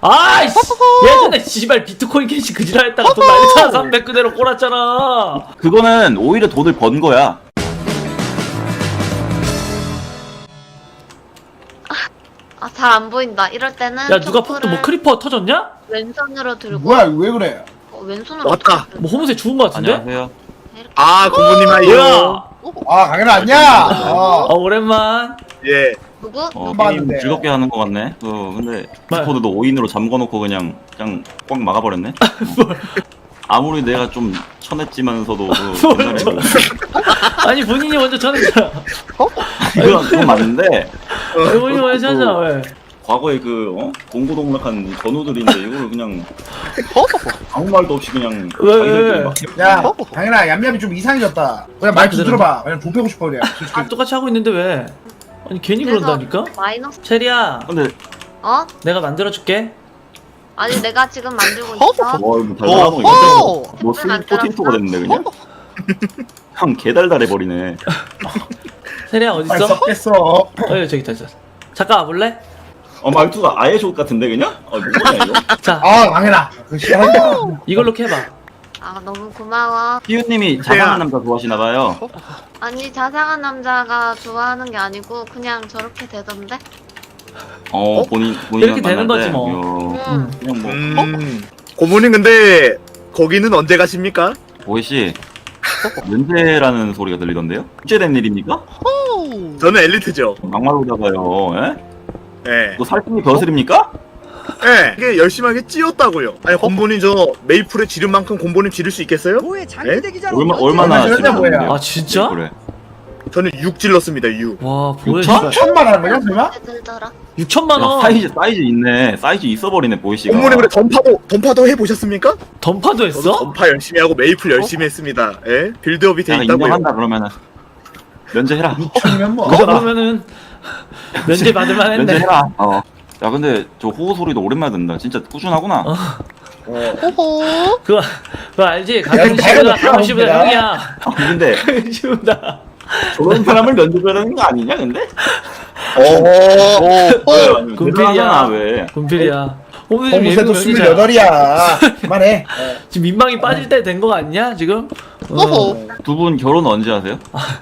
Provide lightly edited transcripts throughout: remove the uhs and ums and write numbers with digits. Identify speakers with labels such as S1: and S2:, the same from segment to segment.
S1: 아이씨 예전에 씨발 비트코인 캐시 그지랄 했다가 돈 날렸잖아. 300 그대로 꼬랐잖아.
S2: 그거는 오히려 돈을 번 거야.
S3: 아, 잘 안 보인다. 이럴 때는
S1: 야 누가 폭도 뭐 크리퍼 터졌냐?
S3: 왼손으로 들고
S4: 뭐야 왜 그래?
S3: 왼손으로
S5: 왔다.
S3: 어떻게
S1: 뭐 호무새 죽은 거 같은데?
S2: 안녕하세요.
S3: 이렇게
S5: 아 공부님
S1: 뭐야?
S5: 하이요.
S4: 아 강현아 안녕.
S1: 아 오랜만.
S5: 예.
S3: 누구?
S2: 게임
S4: 봤는데.
S2: 즐겁게 하는 거 같네. 근데
S1: 말.
S2: 디스코드도 5인으로 잠궈놓고 그냥 꽉 막아버렸네. 아무리 내가 좀 쳐냈지만서도 옛날에
S1: 아니 본인이 먼저 전했잖아.
S2: 그건 맞는데
S1: 본인이 먼저 전했잖아. 왜?
S2: 과거에 공고동락한 전우들인데 이걸 그냥 아무 말도 없이 그냥
S1: 왜?
S2: 자기들끼리 막
S4: 야 강현아 얌얌이 좀 이상해졌다. 그냥 말 좀 들어봐. 그냥 돈 빼고 싶어 그냥. 솔직히.
S1: 아 똑같이 하고 있는데 왜? 아니 괜히
S3: 그래서
S1: 그런다니까?
S3: 마이너스.
S1: 체리야
S2: 근데
S3: 어?
S1: 내가 만들어줄게.
S3: 아니 내가 지금 만들고 있어.
S2: 이거 달달하노 이거 뭐 스윗 포테이토가 됐는데 그냥 형 개달달해버리네.
S1: 체리야
S4: 말
S1: 어딨어?
S4: 썩겠어.
S1: 저기 있다 있어. 잠깐 와볼래?
S2: 말투가 아예 족 같은데 그냥? 뭐냐 이거?
S1: 자
S4: 아 강현아 그 싫어한다.
S1: 이걸로 캐봐.
S3: 아 너무 고마워.
S2: 피우님이 자상한 남자 좋아하시나봐요.
S3: 아니 자상한 남자가 좋아하는 게 아니고 그냥 저렇게 되던데.
S2: 본인
S1: 이렇게 되는 거지 뭐.
S3: 응.
S2: 그냥 뭐
S5: 고모님 근데 거기는 언제 가십니까?
S2: 보이씨 면제라는 소리가 들리던데요? 숙제된 일입니까?
S5: 저는 엘리트죠.
S2: 막말로다가요. 예?
S5: 예.
S2: 이거 살찐이 벼슬입니까?
S5: 예. 이게 열심하게 찌었다고요. 아니 곰보님 저 메이플에 지른 만큼 곰보님 지를 수 있겠어요?
S2: 얼마나
S4: 얼마나
S2: 지르는데요?
S4: 뭐야?
S1: 아 진짜?
S2: 그래.
S5: 저는 6 질렀습니다. 6.
S1: 와 보여.
S2: 육천?
S4: 천만 원 거냐 설마?
S3: 들더라.
S1: 6천만
S2: 야,
S1: 원.
S2: 사이즈 있네. 사이즈 있어버리네 보이씨가.
S5: 곰보님 그래 던파도 해보셨습니까?
S1: 던파도
S5: 저도
S1: 했어?
S5: 던파 열심히 하고 메이플 열심히 했습니다. 예. 빌드업이 돼
S2: 내가
S5: 있다고요.
S2: 인정한다 그러면은 면제해라.
S4: 6천이면 뭐.
S1: 그러면은 면제 받을만 했네.
S2: 면제해라. 야 근데 저 호호 소리도 오랜만에 듣는다. 진짜 꾸준하구나.
S1: 그거 알지?
S4: 야,
S1: 강현
S4: 좀
S1: 씨보다
S4: 밝아졌다,
S1: 강현 씨보다
S4: 형들아.
S1: 형이야.
S2: 근데
S1: 강현 씨보다.
S2: 저런 사람을 면제하는 거 아니냐 근데?
S1: 군필이야.
S2: 왜?
S1: 군필이야. 오늘 지금
S4: 홍무새도
S1: 예능 면이잖아.
S4: 28이야. 그만해.
S1: 지금 민망이 빠질 때 된 거 같냐 지금?
S2: 두 분 결혼 언제 하세요?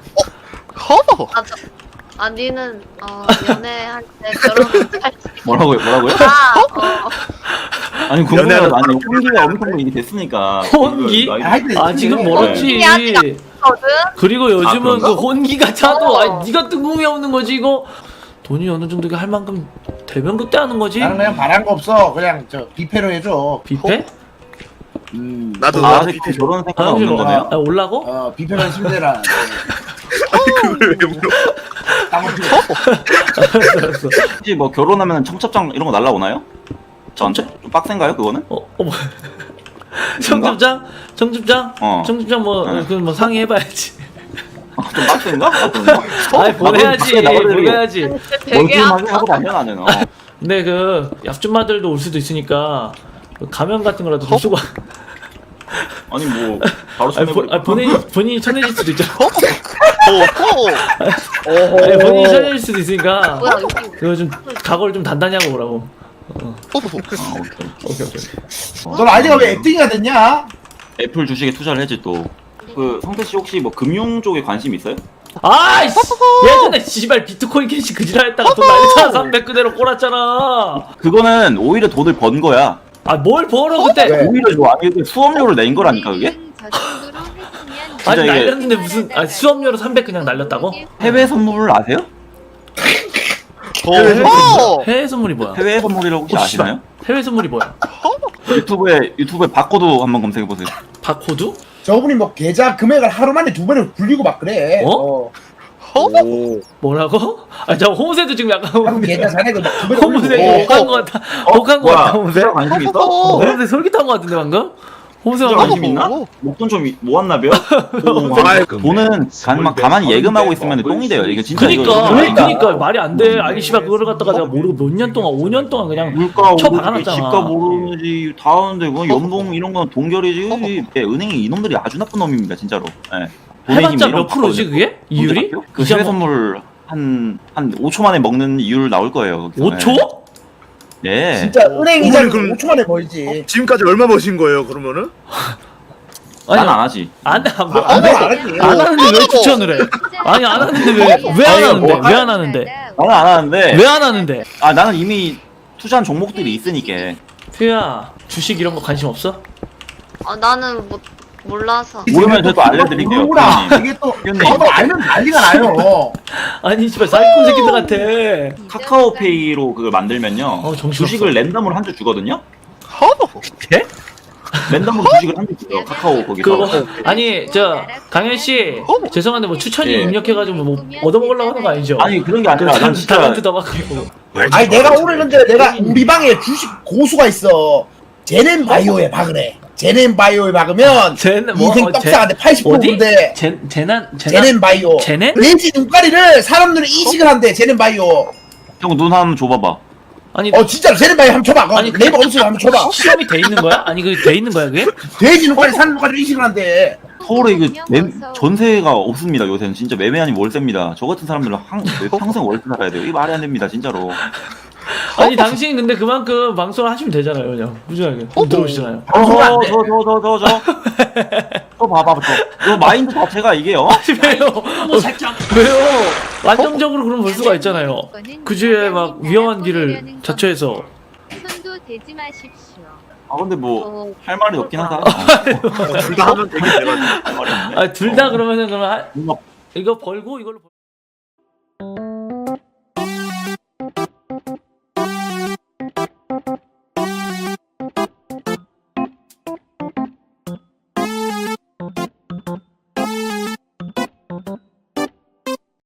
S3: 아 니는 연애할 때 결혼할 때.
S2: 뭐라고요? 아니 궁금해요.
S5: 연애하는
S2: 아니 혼기가 엄청 이게 됐으니까.
S1: 혼기? 아 지금 멀었지.
S3: 거든.
S1: 그리고 요즘은
S2: 그런가?
S1: 그 혼기가 차도 아니 네가 뜬금이 없는 거지 이거. 돈이 어느 정도 할 만큼 되면 그때 하는 거지.
S4: 나는 그냥 바란 거 없어. 그냥 저 뷔페로 해줘.
S1: 뷔페?
S5: 나도
S2: 아직 결혼 생각 없는 거네요?
S1: 아, 올라고?
S4: 뷔페면 침대라.
S5: 아니 그걸 왜 물어?
S1: 알았어.
S2: 혹시 뭐 결혼하면 청첩장 이런 거 날라오나요? 저한테? 좀 빡센가요 그거는?
S1: 뭐 청첩장? 청첩장?
S2: 어.
S1: 청첩장
S2: 네.
S1: 그건 뭐 상의해봐야지.
S2: 좀 빡센가?
S1: 아니 보내야지. 보내야지.
S3: 되게
S2: 멀쩡하게 하고 다녀 나는.
S1: 근데 그 약주마들도 올 수도 있으니까 그 가면 같은 거라도 좀 쓰고.
S2: 아니 뭐 바로
S1: 아니,
S2: 손해버리고.
S1: 본인이 쳐내질 수도 있잖아. 아니, 본인이 쳐내질 수도 있으니까
S3: 뭐야 여기.
S1: 그거 좀 각오를 좀 단단히 하고 오라고. 오케이.
S4: 넌 아이디가 왜 액팅이가 됐냐?
S2: 애플 주식에 투자를 했지 또. 그 성태 씨 혹시 뭐 금융 쪽에 관심 있어요?
S1: 아이씨 예전에 씨발 비트코인 캐시 그지랄 했다가 돈 날렸잖아. 300 그대로 꼬랐잖아.
S2: 그거는 오히려 돈을 번 거야.
S1: 아 뭘 벌어 그때.
S4: 왜?
S2: 오히려 좋아. 이게 수업료를 낸 거라니까 그게?
S1: 아니
S2: 이게-
S1: 날렸는데 무슨 수업료로 300 그냥 날렸다고?
S2: 해외 선물 아세요?
S1: 해외 선물이 뭐야?
S2: 해외 선물이라고 혹시
S1: 씨발.
S2: 아시나요?
S1: 해외 선물이 뭐야?
S2: 유튜브에 바코드 한번 검색해 보세요.
S1: 바코드?
S4: 저분이 뭐 계좌 금액을 하루 만에 2번을 굴리고 막 그래.
S1: 어? 뭐라고? 아 저 호무새도 지금 약간
S4: 한국 계좌 잔액을 막 2번을
S1: 호무새
S4: 굴리고.
S1: 혹한 거 같다. 혹한 거 같다 호무새.
S2: 투자 관심 있어?
S1: 호무새 솔깃한 거 같은데 방금? 호무새가
S2: 투자 관심 있나? 목돈 좀 모았나벼? 돈은 가만히 예금하고 있으면 똥이 돼요. 이게 진짜
S1: 그니까 말이 안 돼. 아니 씨발 그거를 갖다가 내가 모르고 몇 년 동안 5년 동안 그냥
S2: 물가
S1: 쳐
S2: 오르지,
S1: 박아놨잖아.
S2: 집값 오르지 다 하는데 뭐 연봉 이런 건 동결이지. 은행이 이놈들이 아주 나쁜 놈입니다 진짜로. 예. 돈의 힘
S1: 해봤자
S2: 이런
S1: 몇 프로지
S2: 거
S1: 그게? 이율이?
S2: 그 해외 선물 한 5초 만에 먹는 이율 나올 거예요. 거기서.
S1: 5초?
S2: 예.
S4: 진짜 은행 이자
S5: 그럼-
S4: 5초 만에 벌지.
S5: 지금까지 얼마 버신 거예요 그러면은?
S1: 아니
S2: 난 안 하지.
S1: 안
S4: 안
S1: 하는데 왜 추천을 해? 아니 안 하는데 왜 안 하는데 왜 안 하는데
S2: 나는 안 하는데.
S1: 왜 안 하는데?
S2: 아 나는 이미 투자한 종목들이 있으니까.
S1: 퓨야 주식 이런 거 관심 없어?
S3: 나는 몰라서.
S2: 모르면 저도 알려드릴게요.
S4: 모르라.
S2: 형님.
S4: 이게 또
S2: 형님.
S4: 저도 알면 난리가 나요.
S1: 아니 씨발 사기꾼 새끼들 같아.
S2: 카카오페이로 그걸 만들면요.
S1: 정신없어.
S2: 주식을 랜덤으로 한 주 주거든요.
S1: 예?
S2: 랜덤으로 주식을 한 주 줘요. 카카오 거기서.
S1: 그거 아니 저 강현 씨 죄송한데 뭐 추천이
S2: 예.
S1: 입력해가지고 뭐 얻어먹으려고 하는 거 아니죠?
S2: 아니 그런 게 아니라 난 진짜
S1: 다한테 더 받고.
S4: 아니 내가 오늘 근데 내가 우리 방에 주식 고수가 있어. 제넨 바이오에 박으래. 제넨 바이오에 박으면
S1: 쟤는 뭐
S4: 인생 떡상한데 80%인데
S1: 제난
S4: 제넨 바이오.
S1: 제넨?
S4: 렌즈 눈가리를 사람들이 이식을 한대. 제넨 바이오.
S2: 형 눈 한번 줘봐봐.
S1: 아니
S4: 진짜로 제넨 바이오 한번 줘봐.
S1: 아니,
S4: 네이버 검색 한번 줘봐.
S1: 시험이 돼 있는 거야? 아니 그 돼 있는 거야 그게?
S4: 돼지 눈가리 사는 눈가리를 이식을 한대.
S2: 서울에 이거 전세가 없습니다. 요새는 진짜 매매 아니면 월세입니다. 저 같은 사람들은 평생 월세 살아야 돼요. 이거 말이 안 됩니다. 진짜로.
S1: 아니 당신 근데 그만큼 방송을 하시면 되잖아요 그냥 꾸준하게 들어오시잖아요.
S2: 저 봐봐 저 마인드 자체가 이게요.
S1: 왜요? 왜요? 안정적으로 그럼 볼 수가 있잖아요. 그 주에 막 위험한 길을 자처해서.
S6: 손도 대지 마십시오.
S2: 아 근데 뭐
S3: 어,
S2: 할 말이 없긴 하다.
S5: 둘 다 하면 되게 돼가지고.
S2: 할 말이 없네.
S1: 아 둘 다 그러면은 그러면
S2: 뭔가
S1: 이거 벌고 이걸로.